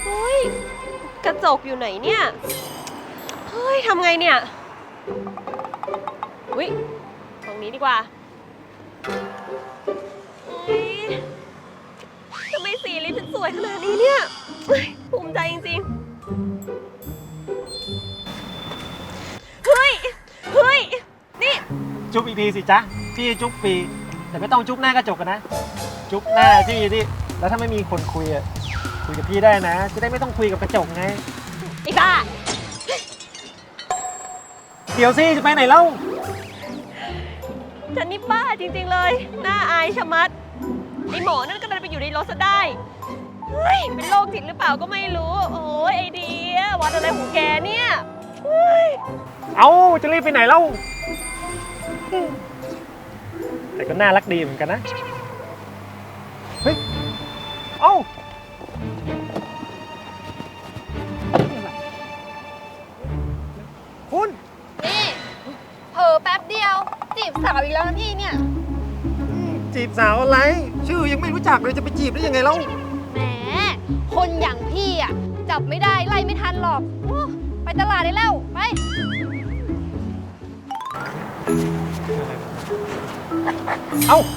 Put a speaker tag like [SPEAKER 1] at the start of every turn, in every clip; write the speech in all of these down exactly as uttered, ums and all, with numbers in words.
[SPEAKER 1] เฮ้ยกระจกอยู่ไหนเนี่ยเฮ้ยทำไงเนี่ยอุ้ยตรงนี้ดีกว่าเฮ้ยทำไมสีลิปฉันสวยขนาดนี้เนี่ยเฮ้ยภูมิใจจริงๆเฮ้ยเฮ้ยนี่
[SPEAKER 2] จุ๊บอีกทีสิจ๊ะพี่จุ๊บปีแต่ไม่ต้องจุ๊บหน้ากระจกกันนะจุ๊บหน้าพี่ที่แล้วถ้าไม่มีคนคุยอ่ะคุยกับพี่ได้นะจะได้ไม่ต้องคุยกับกระจกไง
[SPEAKER 1] ไอ้บ้า
[SPEAKER 2] เดี๋ยวสิจะไปไหนเล่า
[SPEAKER 1] ฉันนี่บ้าจริงๆเลยหน้าอายชะมัดไอ้หมอนั่นก็ดันไปอยู่ในรถซะได้เฮ้ยเป็นโรคจิตหรือเปล่าก็ไม่รู้โอ้ยไอเดียวัดอะไรของแกเนี่ยเฮ้ย
[SPEAKER 2] เอาจะรีบไปไหนเล่าแต่ก็น่ารักดีเหมือนกันนะเฮ้ยเอ้าคุณ
[SPEAKER 3] นี่เผลอแป๊บเดียวจีบสาวอีกแล้วนะพี่เนี่ย
[SPEAKER 2] จีบสาวอะไรชื่อยังไม่รู้จักเลยจะไปจีบได้ยังไงเล่า
[SPEAKER 3] แหมคนอย่างพี่อ่ะจับไม่ได้ไล่ไม่ทันหรอกไปตลาดได้แล้วไป
[SPEAKER 2] เอ้า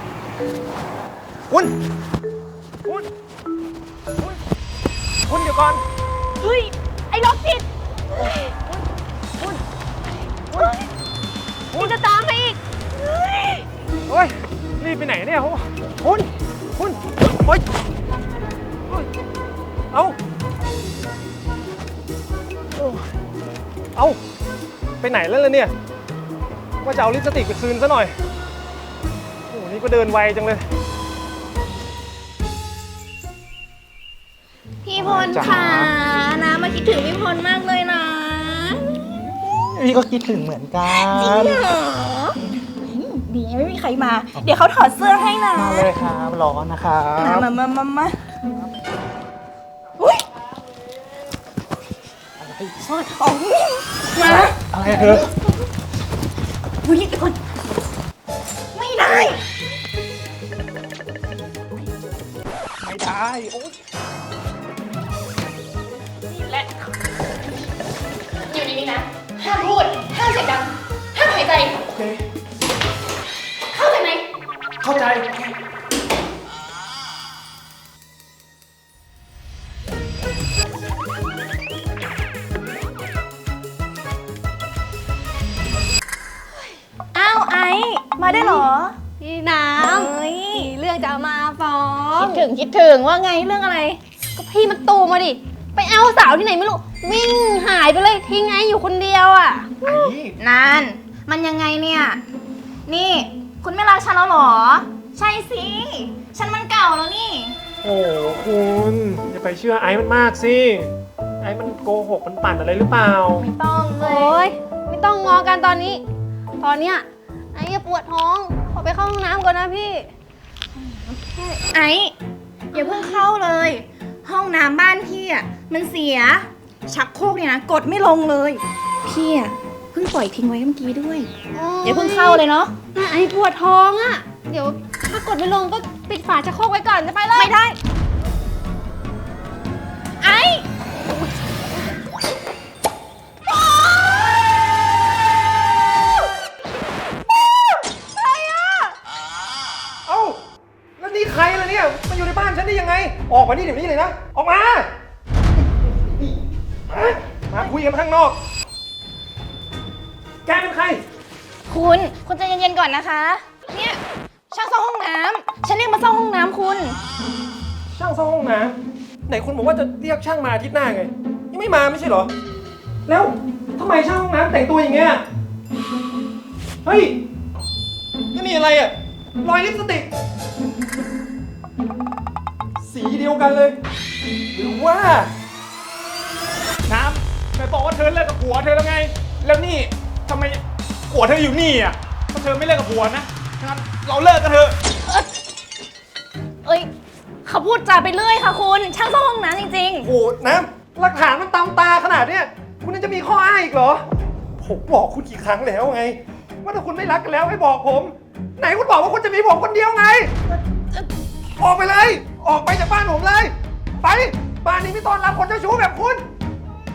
[SPEAKER 2] คุณคุณคุณคุณเดี๋ยวก่อน
[SPEAKER 1] เฮ้ยไอ้โรคจิต
[SPEAKER 2] คุณ
[SPEAKER 1] คุณคุณจะตามมาอีกเฮ้ย
[SPEAKER 2] โอ้ยรีบไปไหนเนี่ยคุณคุณโอ้ยเอาเอาไปไหนแล้วล่ะเนี่ยว่าจะเอาลิปสติกไปคืนซะหน่อยโอ้โหนี่ก็เดินไวจังเลย
[SPEAKER 3] พี่พลค่ะนะมาคิดถึงพี่พลมากเลยนะ
[SPEAKER 2] พี่ก็คิดถึงเหมือนกัน
[SPEAKER 3] จริงเหรอดีไม่มีใครมาเดี๋ยวเขาถอดเสื้อให้นะ
[SPEAKER 2] มาเลยครับร้อนนะครับ
[SPEAKER 3] มามามามาอุ้ยซอดออกมา
[SPEAKER 2] อะไรเธอ
[SPEAKER 3] อุ้ยเดี๋ยวก่อนไม่ได้
[SPEAKER 2] ไม่ได้โอ๊ย
[SPEAKER 3] นี่แหละอยู่ดีๆนะห้ามพูดห้ามเสียงดังห้ามหายใจ
[SPEAKER 2] โอเค
[SPEAKER 3] เข้าใจไหม
[SPEAKER 2] เข้าใจ
[SPEAKER 3] อ้าวไอ้มาได้เหรอ
[SPEAKER 1] พี่น้ำเฮ้ยเรื่องจะมาฟ้อง
[SPEAKER 3] คิดถึงคิดถึงว่าไงเรื่องอะไรก็พี่มันตูมาดิไปเอาสาวที่ไหนไม่รู้วิ่งหายไปเลยทิ้งไอ้อยู่คนเดียวอ่ะนานมันยังไงเนี่ยนี่คุณไม่รักฉันแล้วหรอใช่สิฉันมันเก่าแล้วนี่
[SPEAKER 2] โอ้คุณอย่าไปเชื่อไอ้มันมากสิไอ้มันโกหกมันปั่นอะไรหรือเปล่า
[SPEAKER 3] ไม่ต้องเล
[SPEAKER 1] ยโอ้ยไม่ต้องงอกันตอนนี้ตอนเนี้ยไอ้ปวดท้องขอไปเข้าห้องน้ำก่อนนะพี่
[SPEAKER 3] ไอ้อย่าเพิ่งเข้าเลยห้องน้ำบ้านพี่อ่ะมันเสียชักโครกเนี่ยนะกดไม่ลงเลยพี่อ่ะเพิ่งปล่อยทิ้งไว้เมื่อกี้ด้วยอย่าเพิ่งเข้าเลยเนาะ
[SPEAKER 1] ไอ้ปวดท้องอ่ะเดี๋ยวถ้ากดไม่ลงก็ปิดฝาชักโครกไว้ก่อนจะไปเลย
[SPEAKER 3] ไม่ได้ไอ้
[SPEAKER 2] นี่ใครล่ะเนี่ยมาอยู่ในบ้านฉันได้ยังไงออกมานี่เดี๋ยวนี้เลยนะออกมามามาคุยกันข้างนอกแกเป็นใคร
[SPEAKER 3] คุณคุณใจเย็นๆก่อนนะคะเนี่ยช่างซ่อมห้องน้ำฉันเรียกมาซ่อมห้องน้ำคุณ
[SPEAKER 2] ช่างซ่อมห้องน้ำไหนคุณบอกว่าจะเรียกช่างมาอาทิตย์หน้าไงยังไม่มาไม่ใช่เหรอแล้วทำไมช่างห้องน้ำแต่งตัวอย่างเงี้ยเฮ้ยนี่มีอะไรอ่ะรอยลิปสติกสีเดียวกันเลยหรือว่าน้ำไหนบอกว่าเธอเลิกกับผัวเธอแล้วไงแล้วนี่ทำไมผัวเธออยู่นี่อ่ะถ้าเธอไม่เลิกกับผัวนะงั้นเราเลิกกันเถอะ
[SPEAKER 3] เอ้ยเขาพูดจาไปเรื่อยค่ะคุณช่างซ่อมห้องน้ำจริงๆ
[SPEAKER 2] โอ้น้ำหลักฐานมันตามตาขนาดเนี้ยคุณยังจะมีข้ออ้างอีกเหรอผมบอกคุณกี่ครั้งแล้วไงว่าถ้าคุณไม่รักกันแล้วให้บอกผมไหนคุณบอกว่าคุณจะมีผมคนเดียวไงออกไปเลยออกไปจากบ้านผมเลยไปบ้านนี้ไม่ต้อนรับคนเจ้าชู้แบบคุณ ไป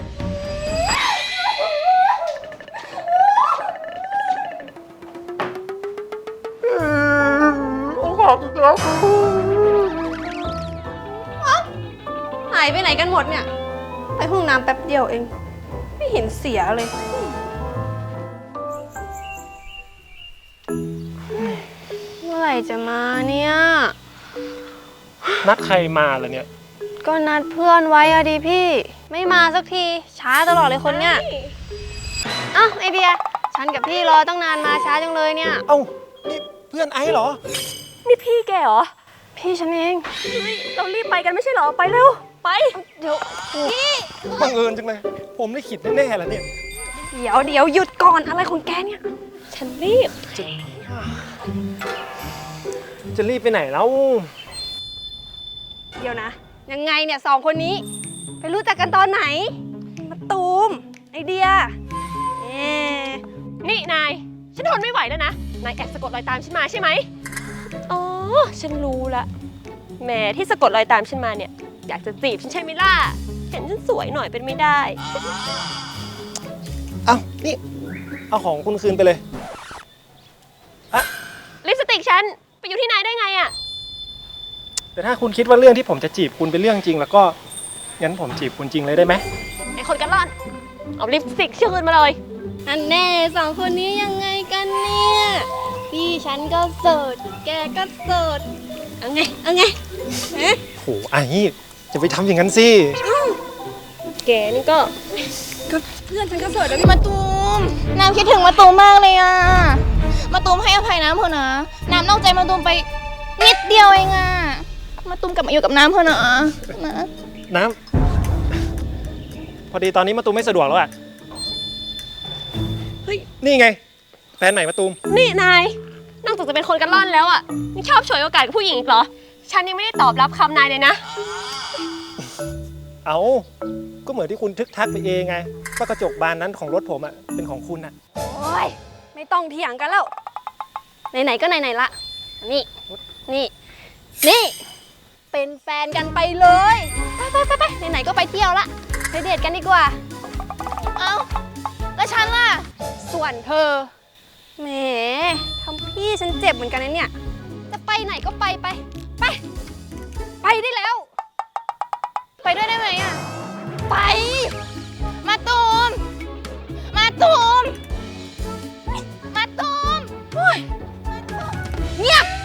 [SPEAKER 3] หายไปไหนกันหมดเนี่ย ไปห้องน้ำแป๊บเดียวเอง ไม่เห็นเสียเลย เมื่อไหร่จะมาเนี่ย
[SPEAKER 2] นัดใครมาล่ะเนี่ย
[SPEAKER 3] ก็นัดเพื่อนไว้อะดิพี่ ไม่มาสักที ช้าตลอดเลยคนเนี่ยอ้าวไอเดีย ฉันกับพี่รอตั้งนานมาช้าจังเลยเนี่ย
[SPEAKER 2] เอ้า นี่เพื่อนไอ้เหรอ
[SPEAKER 1] นี่พี่แกเหรอ
[SPEAKER 3] พี่ฉันเอง
[SPEAKER 1] เฮ้ยเรารีบไปกันไม่ใช่เหรอ ไปเร็ว ไป
[SPEAKER 3] เดี๋ยวพี่
[SPEAKER 2] บังเอิญจังเลย ผมได้ขิดแน่ๆแล้วเนี่ย
[SPEAKER 3] เดี๋ยวเดี๋ยวหยุดก่อนอะไรของแกเนี่ย
[SPEAKER 1] ฉันรีบ
[SPEAKER 2] จะรีบไปไหนแล้ว
[SPEAKER 3] เดี๋ยวนะ ยังไงเนี่ยสองคนนี้ ไปรู้จักกันตอนไหนมาตูมไอเดียเอ๊ะ
[SPEAKER 1] นี่นาย ฉันทนไม่ไหวแล้วนะ นายแอบสะกดรอยตามฉันมาใช่ไหมอ๋อ ฉันรู้ละแหมที่สะกดรอยตามฉันมาเนี่ย อยากจะจีบฉันใช่ไหมล่ะ เห็นฉันสวยหน่อยเป็นไม่ได้
[SPEAKER 2] เอ้า นี่ เอาของคุณคืนไปเลย
[SPEAKER 1] ลิปสติกฉันไปอยู่ที่นายได้ไงอะ
[SPEAKER 2] แต่ถ้าคุณคิดว่าเรื่องที่ผมจะจีบคุณเป็นเรื่องจริง แล้วก็ งั้นผมจีบคุณจริงเลยได้ไหม
[SPEAKER 1] ไอคนกันร่อน เอาลิปสติกชื่อคืนมาเลย
[SPEAKER 3] อันแน่สองคนนี้ยังไงกันเนี่ย พี่ฉันก็เสิร์ชแกก็เสิร์ชเอาไงเอาไงฮะ
[SPEAKER 2] โหไอ้จะไปทำอย่างนั้นสิ
[SPEAKER 1] แกนี่ก็
[SPEAKER 3] ก็เพื่อนฉันก็เสิร์ชแล้วพี่มาตูมน้ำคิดถึงมาตูมมากเลยอ่ะมาตูมให้อภัยน้ำเถอะนะน้ำนอกใจมาตูมไปนิดเดียวเองอ่ะมาตูมกลับมาอยู่กับน้ำเถอะนะนะ
[SPEAKER 2] น้ำ พอดีตอนนี้มาตูมไม่สะดวกแล้วอะ
[SPEAKER 1] เฮ้ย
[SPEAKER 2] นี่ไง แฟนใหม่มาตูม
[SPEAKER 1] นี่นาย นอกจากจะเป็นคนกันร่อนแล้วอ่ะยังชอบฉวยโอกาสกับผู้หญิงอีกเหรอ ฉันยังไม่ได้ตอบรับคำนายเลยนะ
[SPEAKER 2] เอาก็เหมือนที่คุณทึกทักไปเองไงว่ากระจกบานนั้นของรถผมอะเป็นของคุณอะ
[SPEAKER 3] โอ้ยไม่ต้องเถียงกันแล้วไหนๆก็ไหนๆละนี่นี่นี่เป็นแฟนกันไปเลยไปไปไปไปไหนๆก็ไปเที่ยวละไปเดทกันดีกว่าเอ้าแล้วฉันล่ะส่วนเธอแหมทำพี่ฉันเจ็บเหมือนกันนะเนี่ยจะไปไหนก็ไปไปไปไปได้แล้ว ไปด้วยได้ไหมอ่ะไปมาตูมมาตูมมาตูมโอ๊ยเงียบ